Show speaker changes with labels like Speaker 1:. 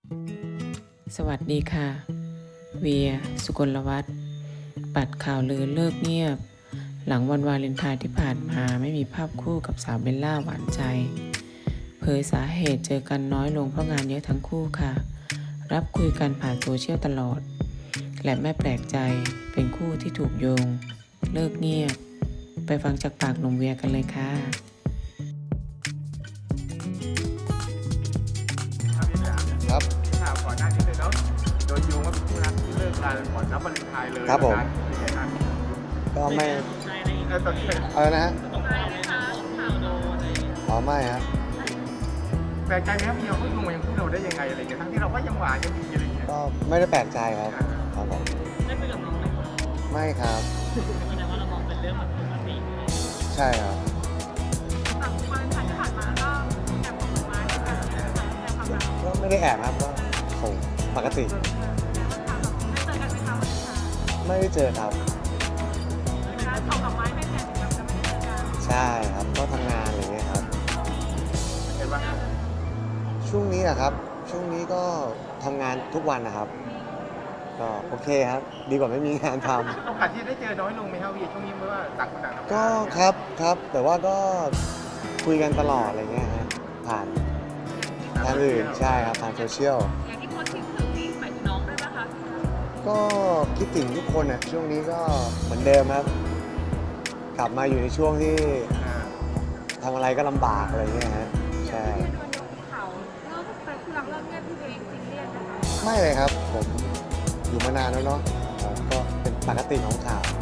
Speaker 1: สวัสดีค่ะ เวีย สุกลวัฒน์ปัดข่าวลือเลิกเงียบ หลังวันวาเลนไทน์ที่ผ่านมาไม่มีภาพคู่กับสาวเบลล่าหวานใจ เผยสาเหตุเจอกันน้อยลงเพราะงานเยอะทั้งคู่ค่ะ รับคุยกันผ่านโซเชียลตลอด และไม่แปลกใจเป็นคู่ที่ถูกโยง เลิกเงียบ ไปฟังจากปากหนุ่มเวียกันเลยค่ะ
Speaker 2: ครับ
Speaker 3: ข่าวก่อนหน้านี้เลยเนาะโดนโยงว่าเป็นคู่รักที่เลิกกันก่อนรับวาเลนไทน์เลย
Speaker 2: ครับผม
Speaker 3: เป็นไงครับ
Speaker 2: ก็ไม่
Speaker 3: แล้วตอนนี้เป็น
Speaker 2: อะไรนะฮะอ๋อไม่ฮะ
Speaker 3: แปลกใจไหมครับพี่เขาโยงมาอย่างคู่เราได้ยังไงอะไรเงี้ยทั้งที่เราก็ยังหวานกันดีอะไรเงี้ย
Speaker 2: ก็ไม่ได้แปลกใจครับครับผม
Speaker 4: ได้คุยกับน้องไหมคะ
Speaker 2: ไม่ครับ
Speaker 4: แสดงว่าเรามองเป็นเรื่องแบบปกติ
Speaker 2: ใช่ครับ
Speaker 5: จากวันถ่ายที่ผ่านมาก็แอบส่งมาให้กันแสดงความรัก
Speaker 2: ก็ไม่ได้แอบครับก็ส่งปกติ
Speaker 5: ได้เจอกันไหมคะวันนี้คะ
Speaker 2: ไม่ได้เจอครับ
Speaker 5: การส่งดอกไม้ให้แทนถึงแบบจะไม่ได้เจอกัน
Speaker 2: ใช่ครับ ก็ทำงานอะไรเงี้ยครับ
Speaker 3: เห็นว่า
Speaker 2: ช่วงนี้นะครับ ช่วงนี้ก็ทำงานทุกวันนะครับ ก็โอเคครับ ดีกว่าไม่มีงานทำ
Speaker 3: โอกาสที่ได้เจอน้อยลงไหมครับพี่ช่วงนี้เพราะว่าต่างคนต่างทำงาน
Speaker 2: ก็ครับครับ แต่ว่าก็คุยกันตลอดอะไรเงี้ยฮะผ่านทางอื่นใช่ครับทางโซเชียล
Speaker 5: อย่างที่โพสต์คลิปถึงนี่หมายถึงน้องด้วยป่ะคะ
Speaker 2: ก็คิดถึงทุกคนอ่ะช่วงนี้ก็เหมือนเดิมครับ กลับมาอยู่ในช่วงที่
Speaker 3: อ่า
Speaker 2: ทำอะไรก็ลำบากอะไรเงี้ยฮะใช่
Speaker 5: ที่โดนโยงข่าวเลิกเป็นคู่รักเลิกเงียบที่ตัวเองซีเรียสนะคะ
Speaker 2: ไม่เลยครับผมอยู่มานานแล้วเนาะก็เป็นปกติของข่าว